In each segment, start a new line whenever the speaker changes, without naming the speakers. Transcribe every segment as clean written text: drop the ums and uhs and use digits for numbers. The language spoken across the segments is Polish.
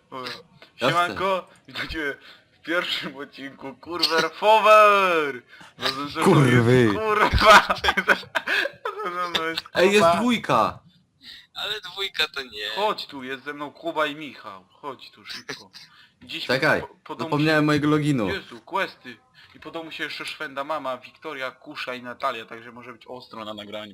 Dobra.
Jasne.
Siemanko, witajcie w pierwszym odcinku Kurwer Fower!
Kurwy.
Kurwa! No jest
Ej, jest
Kuba.
dwójka!
Ale dwójka to nie.
Chodź tu, jest ze mną Kuba i Michał. Chodź tu szybko. Dziś
Czekaj,
po domu
zapomniałem mojego loginu.
Jezu, questy. I po domu się jeszcze szwenda mama, Wiktoria, Kusza i Natalia, także może być ostro na nagraniu.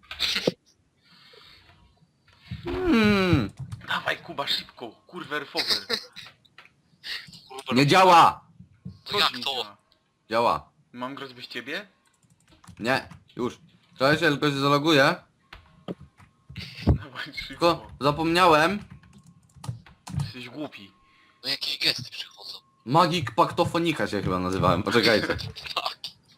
Dawaj Kuba, szybko! Kurwer Fower!
Kurwa,
Nie działa!
Co
jak
ci nie
to?
działa?
Działa.
Mam grać bez ciebie?
Nie, już. Czekaj, się tylko się zaloguję.
Dawaj szybko.
Tylko zapomniałem.
Jesteś głupi.
No jakieś gesty przychodzą.
Magik Paktofonika się chyba nazywałem, poczekajcie.
Tak.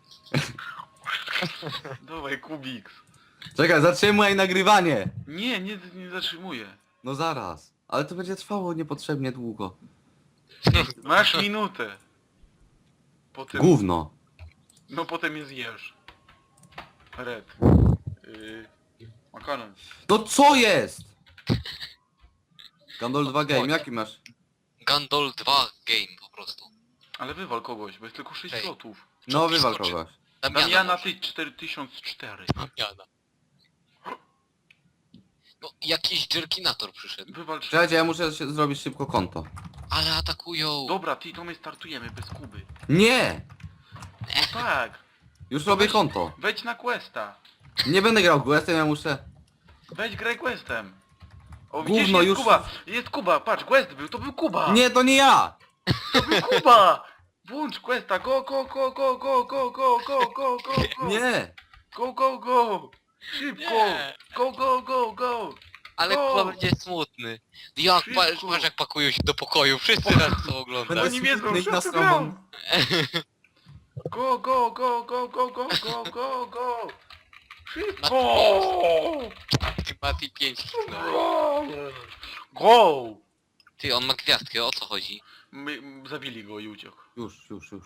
Dawaj Kubiks.
Czekaj, zatrzymaj nagrywanie!
Nie zatrzymuję.
No zaraz. Ale to będzie trwało niepotrzebnie długo.
Masz minutę. Potem...
Gówno.
No potem je zjesz. Red. Makaron.
To co jest? Gandol 2 Game, jaki masz?
Gandol 2 game po prostu.
Ale wywal kogoś, bo jest tylko 6
Ej.
slotów.
No wywal
Skoczy.
kogoś.
Damiana
może.
ty 4004.
Damiana. No jakiś jerkinator przyszedł.
Wywal 3.
Czekajcie, ja muszę się zrobić szybko konto.
Ale atakują.
Dobra, ty to my startujemy bez Kuby.
Nie!
No tak.
Już robię konto.
Wejdź na questa.
Nie będę grał questem, ja muszę...
Wejdź graj questem. O
Gówno,
widzisz, jest
już-
Kuba. Jest Kuba, patrz, quest był, to był Kuba.
Nie, to nie ja!
To był Kuba. Włącz questa, go, go, go, go, go, go, go, go, go, go, go.
Nie!
Go, go, go. Szybko.
Nie.
Go, go, go, go.
Ale
O!
chyba będzie smutny. Jak
Szybko.
patrz jak pakują się do pokoju. Wszyscy nas to oglądają.
Będę
Oni wiedzą,
smutny i
że
na
to
sobą.
gram. Go, go, go, go, go, go, go, go, go. Szybko.
Mati 5
Go. Go.
Ty, on ma gwiazdkę, o co chodzi?
Zabili go i uciekł.
Już.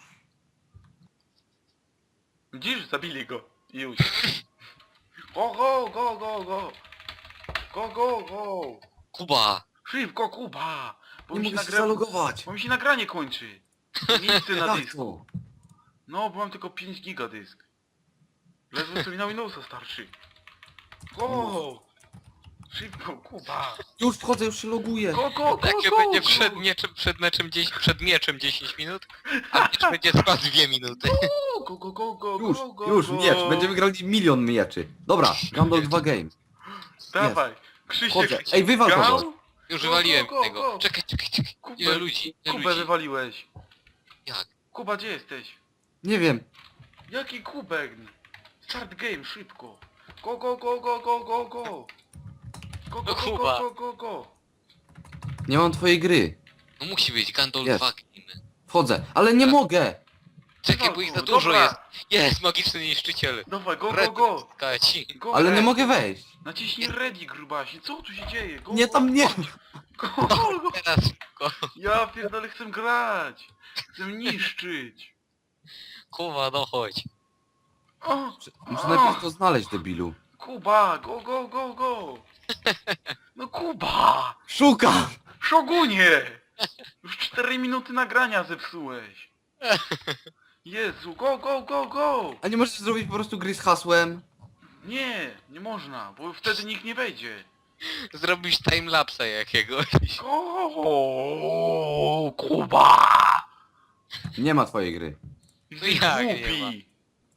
Widzisz? Zabili go i uciekł. Go, go, go, go, go. Go, go, go.
Kuba!
Szybko, Kuba. Bo
Nie
mi się,
mogę się zalogować.
bo mi się nagranie kończy. Miejsce na
Jak
dysku.
to?
No, bo mam tylko 5 giga dysk. Ledwo sobie na Windowsa starszy. Go! Szybko, Kuba!
Już wchodzę, już się loguję.
Go, go, go,
Jak
go,
będzie
go.
przed mieczem 10 minut, a miecz będzie trwał 2 minuty.
Go, go, go, go,
Już,
go, go,
już,
go.
miecz. Będziemy grali milion mieczy. Dobra, Gandol 2 Game.
Dawaj! Krzysiek!
Chodzę. Ej, wywal
grał?
kogoś.
Już
Go,
wywaliłem
go, go,
tego.
go.
Czekaj.
Kubę,
Ile ludzi? Ile
Kubę
ludzi?
wywaliłeś.
Jak?
Kuba, gdzie jesteś?
Nie wiem.
Jaki kubek? Start game, szybko! Go, go, go, go, go, go, go! Go, go, go,
Kuba.
go, go, go!
Nie mam twojej gry.
No musi być Gandol
Jest.
2 game.
Wchodzę, ale nie mogę.
Czekaj, bo ich za
Dobra.
dużo jest. Jest, magiczny niszczyciel.
Dawaj, go, go,
Red,
go!
Kaci.
Go,
Ale nie
Red.
mogę wejść.
Naciśnij ready, grubasie. Co tu się dzieje? Go,
Nie,
go,
tam nie.
Go, go, go.
Teraz szybko.
Ja pierdolę, chcę grać. Chcę niszczyć.
Kuba, no chodź.
O,
Muszę najpierw to znaleźć, debilu.
Kuba, go, go, go, go. No Kuba!
Szukam!
Szogunie! Już 4 minuty nagrania zepsułeś. Jezu, go, go, go, go!
A nie możesz zrobić po prostu gry z hasłem?
Nie można, bo wtedy nikt nie wejdzie.
Zrobisz timelapsa jakiegoś.
Go, Kuba!
Nie ma twojej gry.
Jesteś
jak nie
głupi.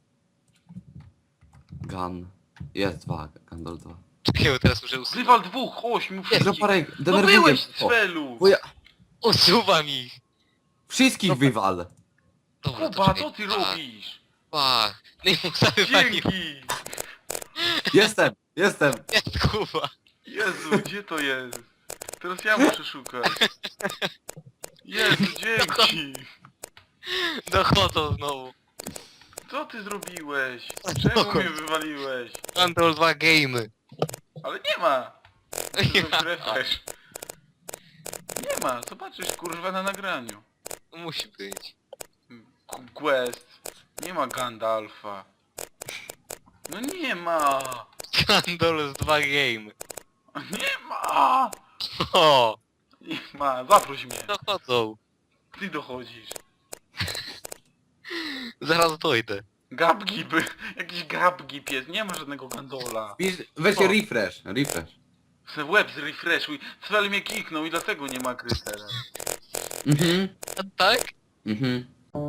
Gun. Jest 2, Gandol 2.
Czekaj, bo teraz muszę usuwać.
Wywal 2, 8 wszystkich.
Zaparek,
No
denerwuję
byłeś
mnie
z
to.
celu!
Bo ja...
Usuwam ich.
Wszystkich wywal.
Dobra,
Kuba,
czekaj.
co ty robisz?
Pa. No i mu zawywalił.
Dzięki!
Jestem.
Jest Kuba.
Jezu, gdzie to jest? Teraz ja muszę szukać. Jezu, dzięki!
Dochodzą znowu.
Co ty zrobiłeś? Czemu mnie wywaliłeś?
Control 2 game.
Ale nie ma! Refresh. Nie ma, zobaczysz kurwa na nagraniu.
Musi być.
Quest. Nie ma Gandalfa. No nie ma!
Control 2 game.
Nie ma!
O!
Nie ma. zaproś mnie.
Dochodzą.
Ty dochodzisz.
Zaraz dojdę.
Gabgib, jakiś gabgib jest, nie ma żadnego gandola.
Weź
Co?
refresh.
Se łeb zrefreshuj. Cel mnie kiknął i dlatego nie ma gry teraz.
Mhm.
A tak?
Mhm.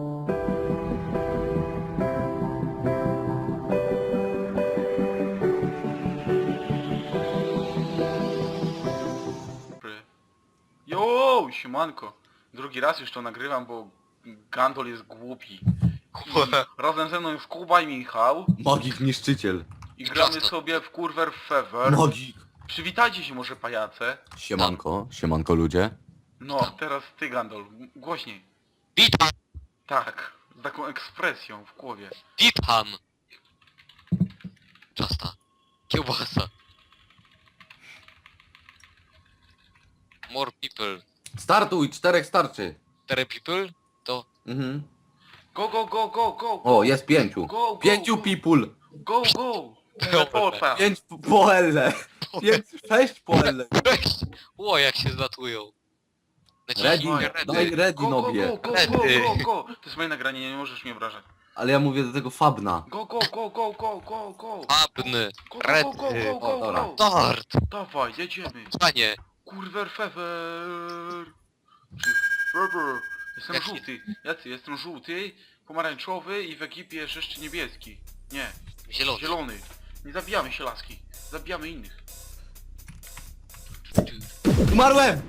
Jo, siemanko. Drugi raz już to nagrywam, bo Gandol jest głupi. I razem ze mną jest Kuba i Michał.
Magik niszczyciel.
I gramy sobie w Kurwer Fever.
Magik.
Przywitajcie się może pajace.
Siemanko ludzie.
No, teraz ty Gandol. Głośniej.
Witam!
Tak. Z taką ekspresją w głowie.
Witam! Czasta. Kiełbasa. More people.
Startuj, 4 starczy.
4 people? To...
Mhm.
Go, go, go, go, go.
O, jest 5.
Go, go,
5
go.
people.
Go, go. Teleporta.
5 po L. 6 po L.
Cześć! Ło, jak się zlatują.
Ready, daj ready
Go, go,
nobie.
go, go, go, go, go. To jest moje nagranie, nie możesz mnie obrażać.
Ale ja mówię do tego Fabna.
Go, go, go, go, go, go, go.
Abny.
Go, go, go, go, go,
O, dobra.
go.
Start!
Dawaj, jedziemy.
Panie!
Kurwer fever. Czy fever. Jestem
Jaki?
żółty. Jacy? Jestem żółty, pomarańczowy i w ekipie jest jeszcze niebieski. Nie,
Zielony.
zielony. Nie zabijamy się laski. Zabijamy innych.
Umarłem!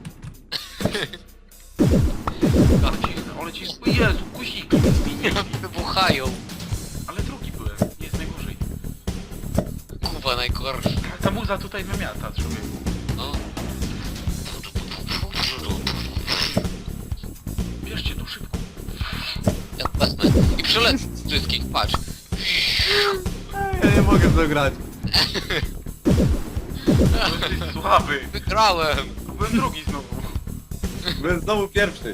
Ale ci... O Jezu, guzik.
Wybuchają.
Ale drugi byłem. Nie jest najgorzej.
Kuba najgorszy.
Ta muza tutaj wymiata, człowieku.
No.
Bierzcie to szybko.
Ja wezmę. I przelecę wszystkich, patrz.
Ja nie mogę zagrać.
To jesteś słaby.
Wygrałem!
Byłem drugi znowu.
Byłem znowu pierwszy.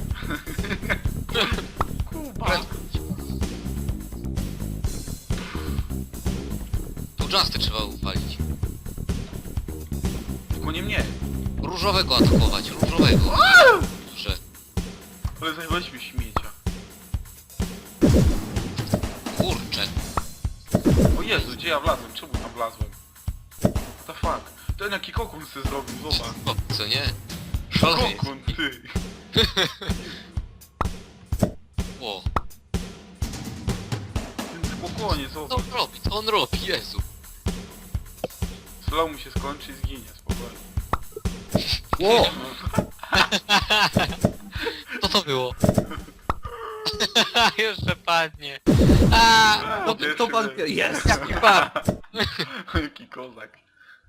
Kuba.
Tu Justy trzeba uwalić.
Tylko nie mnie.
Różowego atakować, różowego. Że
Ale zajebaliśmy śmiecia.
kurczę.
O Jezu, gdzie ja wlazłem? Czemu tam wlazłem? What the fuck? Ten jaki kokon se zrobił, zobacz.
O, co nie? Szalony jest.
Kokon, ty.
Ło.
Ten spokojnie,
Co
zobacz.
on robi? Co on robi? Jezu.
Slow mu się skończy i zginie, spokojnie.
Ło!
Co to było? Jeszcze padnie.
No
Pierwszy
kto pan
był.
jest?
Jaki pan?
Jaki kozak.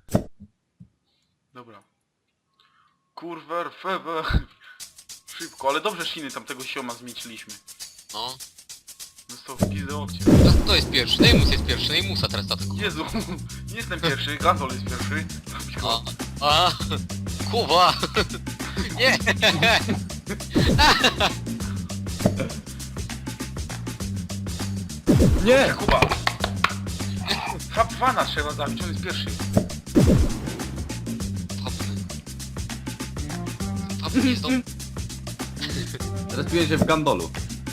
Dobra. Kurwer, fever. Szybko, ale dobrze Shiny tamtego sioma zmieściliśmy.
No.
Został w pizdę okcie.
To jest pierwszy. Neymus jest pierwszy. Neymusa teraz atakuje.
Jezu, nie jestem pierwszy, Gandol jest pierwszy.
A. Kuba. Nie.
Nie!
Kuba! Fabwana trzeba zabić, on jest pierwszy.
Papny jest to...
Teraz piję się w Gandolu.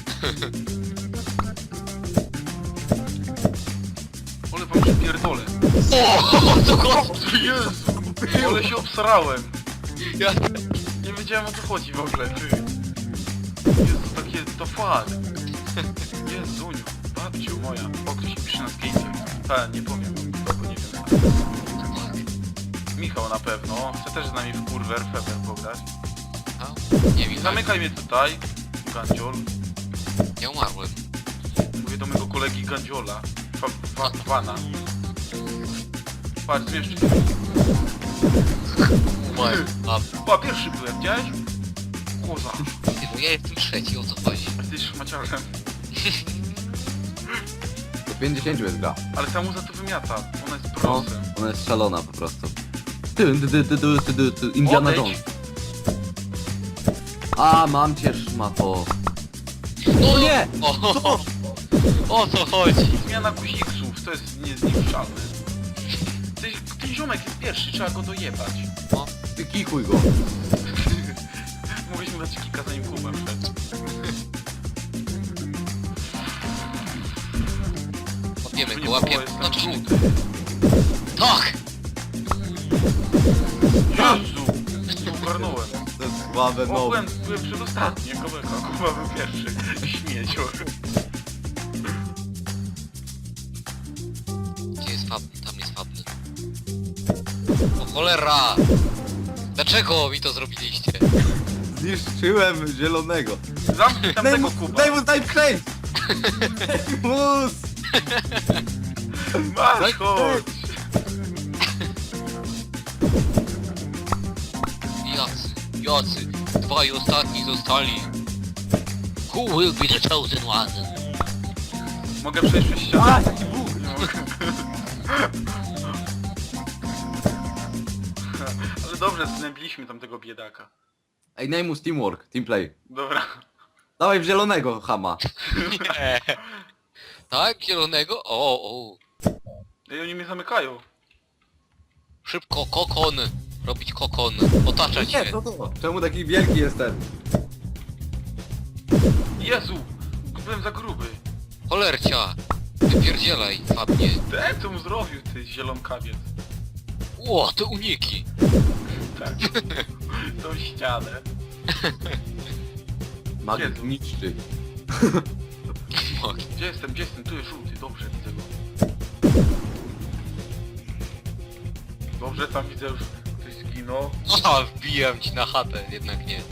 Ale wam przypierdolę.
O, to chodzi.
Jezu, ale się obsrałem.
Ja...
Nie wiedziałem o co chodzi w ogóle, ty. Jezu, takie, to fuck. Jezuniu, babciu moja. O, ktoś mi pisze na skate. Nie powiem, bo nie wiem. Michał na pewno. Chce też z nami w Kurwer Fever pograć.
A? Nie wiem.
Zamykaj mnie tutaj, Gandziol.
Ja umarłem.
Mówię do mojego kolegi Gandziola. Fana. Patrz, zmieszczy się.
Umarłem. A,
O, pierwszy byłem, widziałeś? Koza.
no ja jestem trzeci, o co chodzi?
Jesteś szmaciarzem.
Do 50 jest gra.
Ale ta muza to wymiata. Ona jest
No,
prosem.
ona jest szalona po prostu. Indiana
Odejdź.
Jones. A, mam cię szmato.
No
nie!
O co chodzi?
Zmiana guziksów, to jest niezniszczalne. Ten ziomek jest pierwszy, trzeba go dojebać.
Ty kikuj go.
Daliśmy meczkika zanim Kuba wszedł.
Łapiemy
Tu
go,
nie
łapiemy.
było, jestem
No to
żółty.
tak!
Jezu! Ogarnąłem.
To jest słabe, no.
Byłem przedostatni, jako Kuba był pierwszy. Śmiecior.
Gdzie jest Fabny? Tam jest Fabny. O cholera! Dlaczego mi to zrobiliście?
Zniszczyłem zielonego.
Zamknij tamtego Kuba.
Daj mu, daj przejść! Mus!
Masz, chodź!
Jacy, dwaj ostatni zostali. Who will be the chosen one?
Mogę przejść przez ścianę?
A, taki bóg!
Nie mogę. Ale dobrze, znębiliśmy tamtego biedaka.
Ej, Neymus teamwork, teamplay.
Dobra.
Dawaj w zielonego, chama.
Nie. Tak, zielonego? O.
Ej, oni mnie zamykają.
Szybko, kokon. Robić kokon. Otaczać
Nie,
się.
co to? Czemu taki wielki jest ten?
Jezu! Byłem za gruby.
Cholercia. Wypierdzielaj, Fabnie.
Ten co mu zrobił, ty zielonkawiec.
Ło, te uniki.
Tak. Tą ścianę.
Magik
Jezu.
niszczy.
Gdzie jestem? Gdzie jestem? Tu jest żółty. Dobrze, widzę go. Dobrze, tam widzę już ktoś zginął.
Aha, wbijam ci na chatę, jednak nie.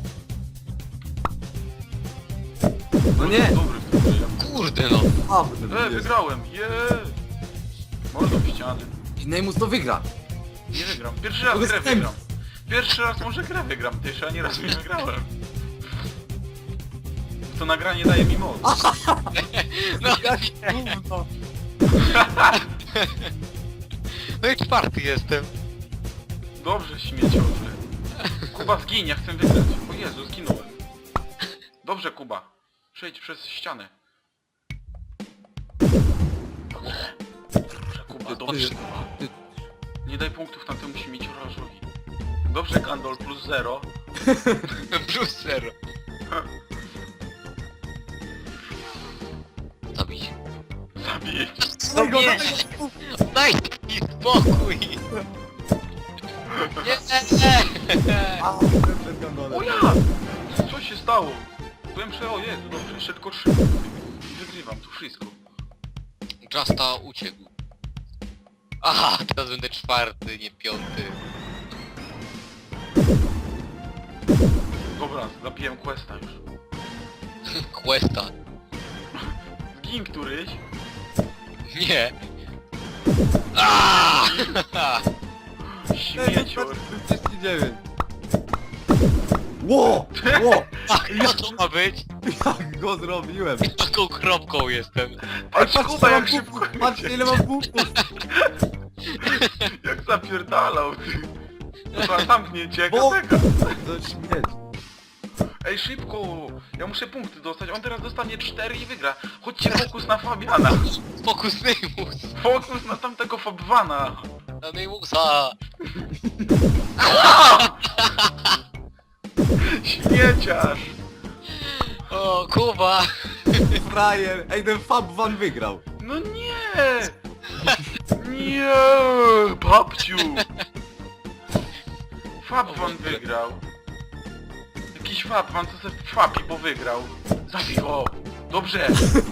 No nie!
Dobry w tym grze.
Kurde no.
Wygrałem! Mordą w ścianę.
I Neymus to wygra.
Nie wygram. Pierwszy raz
To
grę
jest
wygram. Pierwszy raz może grę wygram, ty jeszcze ani razu nie wygrałem. To nagranie daje mi moc.
No, no i czwarty jestem.
Dobrze, śmieciorze. Kuba zgiń, ja chcę wygrać. O Jezu, zginąłem. Dobrze, Kuba. Przejdź przez ścianę. Dobrze, Kuba, dobrze. Nie daj punktów na temu śmieciorzowi. Dobrze, Gandol, plus 0.
Plus 0. Zabić.
Zabij.
No nie! Daj mi spokój! Nie!
O ja! Co się stało? Byłem o Jezu, dobrze, jeszcze tylko 3. I wygrywam tu wszystko.
Justa uciekł. Aha, teraz będę czwarty, nie piąty.
Dobra, zabiłem questa już.
Questa.
Zgin któryś.
Nie. Aaaa!
Śmiecior.
39. Ło! Ło!
Co to ma być?
Jak go zrobiłem?
Taką kropką jestem.
Patrz,
Ej,
Kuba, jak
mam
szybko
punktów, patrzcie ile mam punktów!
Jak zapierdalał, ty. Dobra, zamknięcie,
Bo-
jak tego.
To śmieć.
Ej, szybko! Ja muszę punkty dostać, on teraz dostanie 4 i wygra. Chodźcie, fokus na Fabiana.
Fokus Neymus.
Fokus na tamtego Fabwana.
Na Neymusa.
Śmieciarz.
O, Kuba.
Frajer! Ej, ten Fab Van wygrał!
No nie! Nie! Babciu! Fabwan wygrał. Jakiś Fabwan, co se Fabi, bo wygrał. Zabij go! Dobrze!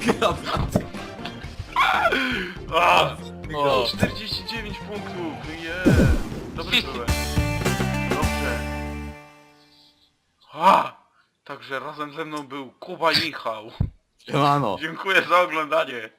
A,
O.
49 punktów! Dobry byłem. Dobrze. Także razem ze mną był Kuba i Michał.
Siemano!
Dziękuję za oglądanie.